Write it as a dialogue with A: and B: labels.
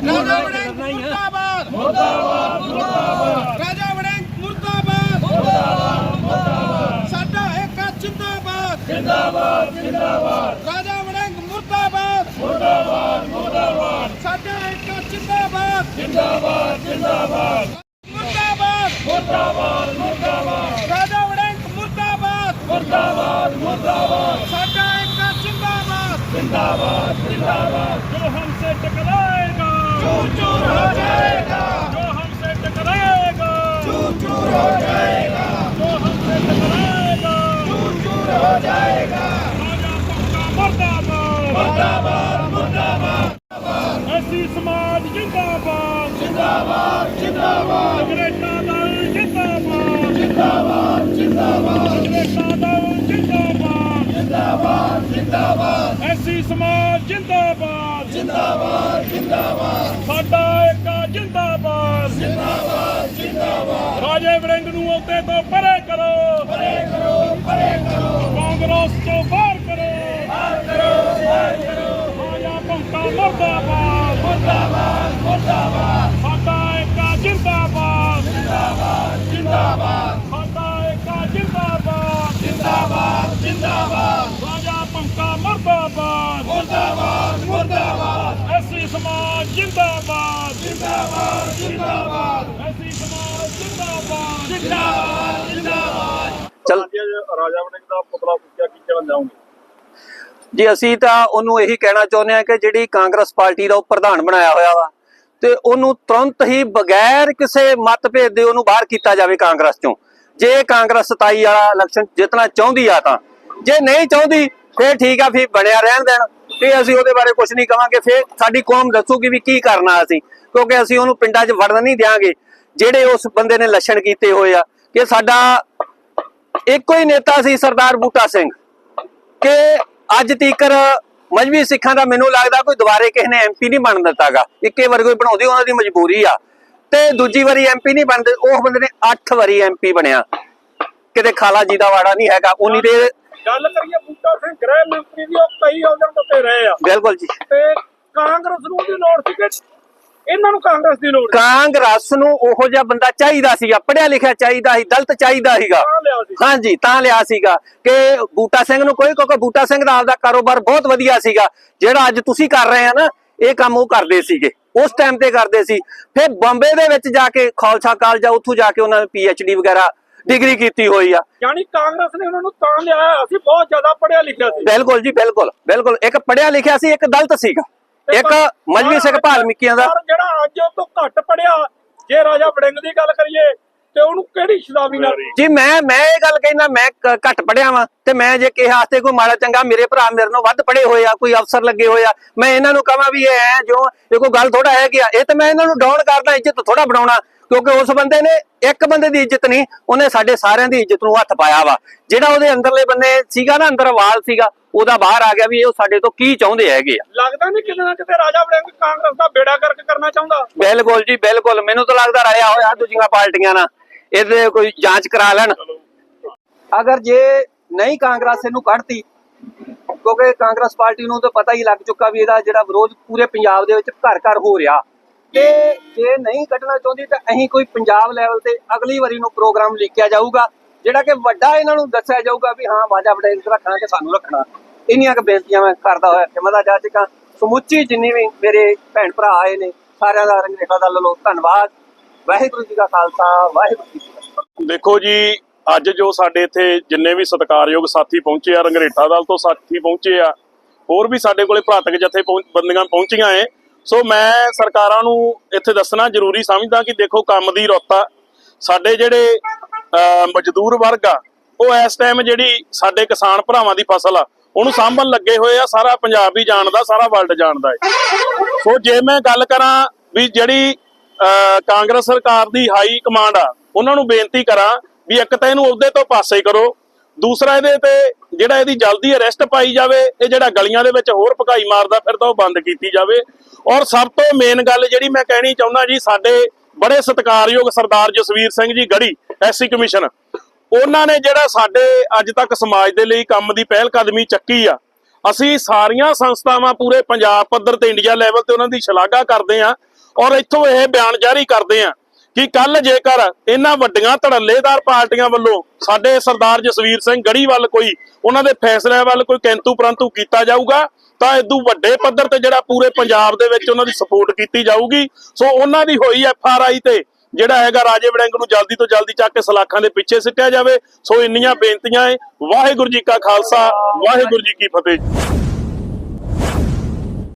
A: राजा वड़िंग मुर्दाबाद मुर्दाबाद मुर्दाबाद राजा वड़िंग मुर्दाबाद मुर्दाबाद मुर्दाबाद साडा एकता जिंदाबाद जिंदाबाद जिंदाबाद राजा वड़िंग मुर्दाबाद मुर्दाबाद मुर्दाबाद साडा एकता जिंदाबाद जिंदाबाद जिंदाबाद मुर्दाबाद मुर्दाबाद मुर्दाबाद राजा वड़िंग मुर्दाबाद मुर्दाबाद मुर्दाबाद साडा एकता जिंदाबाद जिंदाबाद जिंदाबाद जो हमसे टकराएगा चूर चूर हो जाएगा जो हमसे टकराएगा चूर चूर हो जाएगा जो हमसे टकराएगा चूर चूर हो जाएगा राजा पक्का मुर्दाबाद मुर्दाबाद मुर्दाबाद ऐसी समाज जिंदाबाद जिंदाबाद जिंदाबाद अंग्रेज़ा दल जिंदाबाद जिंदाबाद जिंदाबाद अंग्रेज़ा दल जिंदाबाद जिंदाबाद जिंदाबाद ऐसी समाज जिंदाबाद जिंदाबाद जिंदाबाद साडा एकता जिंदाबाद जिंदाबाद जिंदाबाद राजे वड़िंग नूं औते तो परे करो परे करो परे करो कांग्रेस तो बाहर करो राजा पक्का मुर्दाबाद मुर्दाबाद मुर्दाबाद साडा एकता जिंदाबाद जिंदाबाद जिंदाबाद साडा एकता जिंदाबाद जिंदाबाद जिंदाबाद राजा पक्का मुर्दाबाद मुर्दाबाद मुर्दाबाद ऐसी समाज जिंदाबाद जिंदाबाद जिंदाबाद ऐसी समाज जिंदाबाद जिंदाबाद जिंदाबाद
B: चल
C: राजा वड़िंग ਦਾ ਪੁਤਲਾ ਫੂਕਿਆ ਕੀ ਕਹਿਣਾ ਚਾਹੋਗੇ
B: ਜੀ ਅਸੀਂ ਤਾਂ ਉਹਨੂੰ ਇਹੀ ਕਹਿਣਾ ਚਾਹੁੰਦੇ ਹਾਂ ਕਿ ਜਿਹੜੀ ਕਾਂਗਰਸ ਪਾਰਟੀ ਦਾ ਉਹ ਪ੍ਰਧਾਨ ਬਣਾਇਆ ਹੋਇਆ ਵਾ ਤੇ ਉਹਨੂੰ ਤੁਰੰਤ ਹੀ ਬਗੈਰ ਕਿਸੇ ਮਤਭੇਦ ਦੇ ਉਹਨੂੰ ਬਾਹਰ ਕੀਤਾ ਜਾਵੇ ਕਾਂਗਰਸ ਚੋਂ। ਜੇ ਕਾਂਗਰਸ 27 ਵਾਲਾ ਇਲੈਕਸ਼ਨ ਜਿੱਤਣਾ ਚਾਹੁੰਦੀ ਆ ਤਾਂ, ਜੇ ਨਹੀਂ ਚਾਹੁੰਦੀ ਫਿਰ ਠੀਕ ਆ, ਫਿਰ ਬਣਿਆ ਰਹਿਣ ਦੇਣ ਤੇ ਅਸੀਂ ਉਹਦੇ ਬਾਰੇ ਕੁਝ ਨਹੀਂ ਕਵਾਂਗੇ। ਫਿਰ ਸਾਡੀ ਕੌਮ ਦੱਸੂਗੀ ਵੀ ਕੀ ਕਰਨਾ ਅਸੀਂ, ਕਿਉਂਕਿ ਅਸੀਂ ਉਹਨੂੰ ਪਿੰਡਾਂ 'ਚ ਵੜਨ ਨਹੀਂ ਦਿਆਂਗੇ। ਜਿਹੜੇ ਉਸ ਬੰਦੇ ਨੇ ਲੱਛਣ ਕੀਤੇ ਹੋਏ ਆ ਕਿ ਸਾਡਾ ਇੱਕੋ ਹੀ ਨੇਤਾ ਸੀ ਸਰਦਾਰ ਬੂਟਾ ਸਿੰਘ, ਕਿ ਅੱਜ ਤੀਕਰ ਮਜਬੀ ਸਿੱਖਾਂ ਦਾ ਮੈਨੂੰ ਲੱਗਦਾ ਕੋਈ ਦੁਬਾਰੇ ਕਿਸੇ ਨੇ ਐਮਪੀ ਨਹੀਂ ਬਣ ਦਿੱਤਾਗਾ। ਇੱਕੇ ਵਾਰ ਕੋਈ ਬਣਾਉਂਦੀ ਉਹਨਾਂ ਦੀ ਮਜਬੂਰੀ ਆ, ਤੇ ਦੂਜੀ ਵਾਰੀ ਐਮਪੀ ਨਹੀਂ ਬਣਦੇ। ਉਹ ਬੰਦੇ ਨੇ 8 ਵਾਰੀ ਐਮਪੀ ਬਣਿਆ, ਕਿਤੇ ਖਾਲਾ ਜੀ ਦਾ ਵਾੜਾ ਨਹੀਂ ਹੈਗਾ। ਉਨੀ ਦੇ
C: ਗੱਲ ਕਰੀਏ ਬੂਟਾ ਸਿੰਘ ਗ੍ਰਹਿ ਮੰਤਰੀ ਦੀ, ਉਹ ਕਈ ਅਹੁਦਿਆਂ ਤੇ ਰਹੇ ਆ।
B: ਬਿਲਕੁਲ ਜੀ।
C: ਤੇ ਕਾਂਗਰਸ ਨੂੰ ਦੀ ਲੋੜ ਸੀ ਕਿ ਇਹਨਾਂ ਨੂੰ ਕਾਂਗਰਸ ਦੀ ਲੋੜ?
B: ਕਾਂਗਰਸ ਨੂੰ ਉਹੋ ਜਿਹਾ ਬੰਦਾ ਚਾਹੀਦਾ ਸੀਗਾ, ਪੜਿਆ ਲਿਖਿਆ ਚਾਹੀਦਾ ਸੀ, ਦਲਿਤ ਚਾਹੀਦਾ ਸੀਗਾ। ਹਾਂਜੀ, ਤਾਂ ਲਿਆ ਸੀਗਾ ਕਿ ਬੂਟਾ ਸਿੰਘ ਨੂੰ ਕੋਈ, ਕਿਉਂਕਿ ਬੂਟਾ ਸਿੰਘ ਦਾ ਆਪਦਾ ਕਾਰੋਬਾਰ ਬਹੁਤ ਵਧੀਆ ਸੀਗਾ। ਜਿਹੜਾ ਅੱਜ ਤੁਸੀਂ ਕਰ ਰਹੇ ਆ ਨਾ, ਇਹ ਕੰਮ ਉਹ ਕਰਦੇ ਸੀਗੇ, ਉਸ ਟਾਈਮ ਤੇ ਕਰਦੇ ਸੀ। ਫਿਰ ਬੰਬੇ ਦੇ ਵਿੱਚ ਜਾ ਕੇ ਖਾਲਸਾ ਕਾਲਜ, ਉੱਥੋਂ ਜਾ ਕੇ ਉਹਨਾਂ ਨੇ PhD ਵਗੈਰਾ ਡਿਗਰੀ ਕੀਤੀ ਹੋਈ ਆ।
C: ਯਾਨੀ ਕਾਂਗਰਸ ਨੇ ਉਹਨਾਂ ਨੂੰ ਤਾਂ ਲਿਆ, ਅਸੀਂ ਬਹੁਤ ਜ਼ਿਆਦਾ ਪੜਿਆ ਲਿਖਿਆ ਸੀ।
B: ਬਿਲਕੁਲ ਜੀ, ਬਿਲਕੁਲ ਬਿਲਕੁਲ। ਇੱਕ ਪੜਿਆ ਲਿਖਿਆ ਸੀ, ਇੱਕ ਦਲਿਤ ਸੀਗਾ, ਇੱਕ ਮਜਬੀ ਸਿੰਘ ਭਾਲਮੀਕੀਆਂ ਦਾ।
C: ਜਿਹੜਾ ਅੱਜ ਉਹ ਤੋਂ ਘੱਟ ਪੜਿਆ, ਜੇ ਰਾਜਾ ਵੜਿੰਗ ਦੀ ਗੱਲ ਕਰੀਏ ਤੇ ਉਹਨੂੰ ਕਿਹੜੀ ਸ਼ਰਾਬੀ ਨਾਲ?
B: ਜੀ ਮੈਂ ਇਹ ਗੱਲ ਕਹਿੰਦਾ, ਮੈਂ ਘੱਟ ਪੜਿਆ ਵਾਂ ਤੇ ਮੈਂ ਜੇ ਕਿਸੇ ਵਾਸਤੇ ਕੋਈ ਮਾੜਾ ਚੰਗਾ, ਮੇਰੇ ਭਰਾ ਮੇਰੇ ਨਾਲੋਂ ਵੱਧ ਪੜੇ ਹੋਏ ਆ, ਕੋਈ ਅਫਸਰ ਲੱਗੇ ਹੋਏ ਆ, ਮੈਂ ਇਹਨਾਂ ਨੂੰ ਕਹਾਂ ਵੀ ਇਹ ਜੋ ਇਹ ਕੋਈ ਗੱਲ ਥੋੜਾ ਹੈ ਕਿ ਇਹ ਤਾਂ ਮੈਂ ਇਹਨਾਂ ਨੂੰ ਡਾਊਨ ਕਰਦਾ, ਇੱਜ਼ਤ ਥੋੜਾ ਬਣਾਉਣਾ। ਕਿਉਂਕਿ ਉਸ ਬੰਦੇ ਨੇ ਇੱਕ ਬੰਦੇ ਦੀ ਇੱਜ਼ਤ ਨਹੀਂ, ਉਹਨੇ ਸਾਡੇ ਸਾਰਿਆਂ ਦੀ ਇੱਜ਼ਤ ਨੂੰ ਹੱਥ ਪਾਇਆ ਵਾ। ਜਿਹੜਾ ਉਹਦੇ ਅੰਦਰਲੇ ਬੰਦੇ ਸੀਗਾ ਨਾ, ਅੰਦਰ ਵਾਲ ਸੀਗਾ, ਉਹਦਾ ਬਾਹਰ ਆ ਗਿਆ ਵੀ ਇਹ ਸਾਡੇ ਤੋਂ ਕੀ ਚਾਹੁੰਦੇ ਹੈਗੇ ਆ।
C: ਲੱਗਦਾ ਨਹੀਂ ਕਿਤੇ ਨਾ ਕਿਤੇ ਰਾਜਾ ਵੜਿੰਗ ਕਾਂਗਰਸ ਦਾ ਬੇੜਾ ਗਰਕ ਕਰਨਾ ਚਾਹੁੰਦਾ?
B: ਬਿਲਕੁਲ ਜੀ, ਬਿਲਕੁਲ। ਮੈਨੂੰ ਤਾਂ ਲੱਗਦਾ ਰਲਿਆ ਹੋਇਆ ਦੂਜੀਆਂ ਪਾਰਟੀਆਂ ਨਾਲ, ਇਹਦੇ ਕੋਈ ਜਾਂਚ ਕਰਾ ਲੈਣ। ਅਗਰ ਜੇ ਨਹੀਂ ਕਾਂਗਰਸ ਇਹਨੂੰ ਕੱਢਤੀ, ਕਿਉਂਕਿ ਕਾਂਗਰਸ ਪਾਰਟੀ ਨੂੰ ਤਾਂ ਪਤਾ ਹੀ ਲੱਗ ਚੁੱਕਾ ਵੀ ਇਹਦਾ ਜਿਹੜਾ ਵਿਰੋਧ ਪੂਰੇ ਪੰਜਾਬ ਦੇ ਵਿੱਚ ਘਰ ਘਰ ਹੋ ਰਿਹਾ, ਤੇ ਜੇ ਨਹੀਂ ਕੱਢਣਾ ਚਾਹੁੰਦੀ ਤਾਂ ਅਸੀਂ ਕੋਈ ਪੰਜਾਬ ਲੈਵਲ ਤੇ ਅਗਲੀ ਵਾਰੀ ਨੂੰ ਪ੍ਰੋਗਰਾਮ ਲਿਖਿਆ ਜਾਊਗਾ, ਜਿਹੜਾ ਕਿ ਵੱਡਾ ਇਹਨਾਂ ਨੂੰ ਦੱਸਿਆ ਜਾਊਗਾ ਵੀ ਹਾਂ ਰਾਜਾ ਵੜਿੰਗ ਰੱਖਣਾ ਕਿ ਸਾਨੂੰ ਰੱਖਣਾ। ਇੰਨੀਆਂ ਕੁ ਬੇਨਤੀਆਂ ਮੈਂ ਕਰਦਾ ਹੋਇਆ ਹਿੰਮਤ ਜਾ ਚੁੱਕਾ। ਸਮੁੱਚੀ ਜਿੰਨੀ ਵੀ ਮੇਰੇ ਭੈਣ ਭਰਾ ਆਏ ਨੇ, ਸਾਰਿਆਂ ਦਾ ਰੰਗਰੇਖਾ ਦਾ ਵੱਲੋਂ ਧੰਨਵਾਦ। ਵਾਹਿਗੁਰੂ ਜੀ ਕਾ ਖਾਲਸਾ, ਵਾਹਿਗੁਰੂ ਜੀ ਕੀ ਫਤਿਹ।
C: ਦੇਖੋ ਜੀ, ਅੱਜ ਜੋ ਸਾਡੇ ਇੱਥੇ ਜਿੰਨੇ ਵੀ ਸਤਿਕਾਰਯੋਗ ਸਾਥੀ ਪਹੁੰਚੇ ਆ, ਰੰਗਰੇਟਾ ਦਲ ਤੋਂ ਸਾਥੀ ਪਹੁੰਚੇ ਆ, ਹੋਰ ਵੀ ਸਾਡੇ ਕੋਲੇ ਭਰਾਤਕ ਜਥੇਬੰਦੀਆਂ ਪਹੁੰਚੀਆਂ ਏ। ਸੋ ਮੈਂ ਸਰਕਾਰਾਂ ਨੂੰ ਇੱਥੇ ਦੱਸਣਾ ਜ਼ਰੂਰੀ ਸਮਝਦਾ ਕਿ ਦੇਖੋ, ਕੰਮ ਦੀ ਰੁੱਤ ਆ। ਸਾਡੇ ਜਿਹੜੇ ਮਜ਼ਦੂਰ ਵਰਗ ਆ, ਉਹ ਇਸ ਟਾਈਮ ਜਿਹੜੀ ਸਾਡੇ ਕਿਸਾਨ ਭਰਾਵਾਂ ਦੀ ਫਸਲ ਆ, ਉਹਨੂੰ ਸਾਂਭਣ ਲੱਗੇ ਹੋਏ ਆ। ਸਾਰਾ ਪੰਜਾਬ ਹੀ ਜਾਣਦਾ, ਸਾਰਾ ਵਰਲਡ ਜਾਣਦਾ ਹੈ। ਸੋ ਜੇ ਮੈਂ ਗੱਲ ਕਰਾਂ ਵੀ ਜਿਹੜੀ ਕਾਂਗਰਸ ਸਰਕਾਰ ਦੀ ਹਾਈ ਕਮਾਂਡ ਆ, ਉਹਨਾਂ ਨੂੰ ਬੇਨਤੀ ਕਰਾਂ ਵੀ ਇੱਕ ਤਾਂ ਇਹਨੂੰ ਅਹੁਦੇ ਤੋਂ ਪਾਸੇ ਕਰੋ, ਦੂਸਰਾ ਇਹਦੇ ਤੇ ਜਿਹੜਾ ਇਹਦੀ ਜਲਦੀ ਅਰੈਸਟ ਪਾਈ ਜਾਵੇ। ਇਹ ਜਿਹੜਾ ਗਲੀਆਂ ਦੇ ਵਿੱਚ ਹੋਰ ਭਕਾਈ ਮਾਰਦਾ ਫਿਰਦਾ, ਉਹ ਬੰਦ ਕੀਤੀ ਜਾਵੇ। ਔਰ ਸਭ ਤੋਂ ਮੇਨ ਗੱਲ ਜਿਹੜੀ ਮੈਂ ਕਹਿਣੀ ਚਾਹੁੰਦਾ ਜੀ, ਸਾਡੇ ਬੜੇ ਸਤਿਕਾਰਯੋਗ ਸਰਦਾਰ ਜਸਵੀਰ ਸਿੰਘ ਜੀ ਗੜੀ, ਐਸਸੀ ਕਮਿਸ਼ਨ, ਉਹਨਾਂ ਨੇ ਜਿਹੜਾ ਸਾਡੇ ਅੱਜ ਤੱਕ ਸਮਾਜ ਦੇ ਲਈ ਕੰਮ ਦੀ ਪਹਿਲ ਕਦਮੀ ਚੱਕੀ ਆ। ਅਸੀਂ ਸਾਰੀਆਂ ਸੰਸਥਾਵਾਂ ਪੂਰੇ ਪੰਜਾਬ ਪੱਧਰ ਤੇ ਇੰਡੀਆ ਲੈਵਲ ਤੇ ਉਹਨਾਂ ਦੀ ਸ਼ਲਾਘਾ ਕਰਦੇ ਆ। ਔਰ ਇੱਥੋਂ ਇਹ ਬਿਆਨ ਜਾਰੀ ਕਰਦੇ ਆ ਕਿ ਕੱਲ ਜੇਕਰ ਇਹਨਾਂ ਵੱਡੀਆਂ ਧੜੱਲੇਦਾਰ ਪਾਰਟੀਆਂ ਵੱਲੋਂ ਸਾਡੇ ਸਰਦਾਰ ਜਸਵੀਰ ਸਿੰਘ ਗੜੀ ਵੱਲ ਕੋਈ ਉਹਨਾਂ ਦੇ ਫੈਸਲਿਆਂ ਵੱਲ ਕੋਈ ਕਿੰਤੂ ਪਰੰਤੂ ਕੀਤਾ ਜਾਊਗਾ ਤਾਂ ਇਦੋਂ ਵੱਡੇ ਪੱਧਰ ਤੇ ਜਿਹੜਾ ਪੂਰੇ ਪੰਜਾਬ ਦੇ ਵਿੱਚ ਉਹਨਾਂ ਦੀ ਸਪੋਰਟ ਕੀਤੀ ਜਾਊਗੀ। ਸੋ ਉਹਨਾਂ ਦੀ ਹੋਈ FRI ਤੇ ਜਿਹੜਾ ਹੈਗਾ ਰਾਜੇ ਵੜਿੰਗ ਨੂੰ ਜਲਦੀ ਤੋਂ ਜਲਦੀ ਚੱਕ ਕੇ ਸਲਾਖਾਂ ਦੇ ਪਿੱਛੇ ਸਿੱਟਿਆ ਜਾਵੇ। ਸੋ ਇੰਨੀਆਂ ਬੇਨਤੀਆਂ ਹੈ। ਵਾਹਿਗੁਰੂ ਜੀ ਕਾ ਖਾਲਸਾ, ਵਾਹਿਗੁਰੂ ਜੀ ਕੀ ਫਤਿਹ।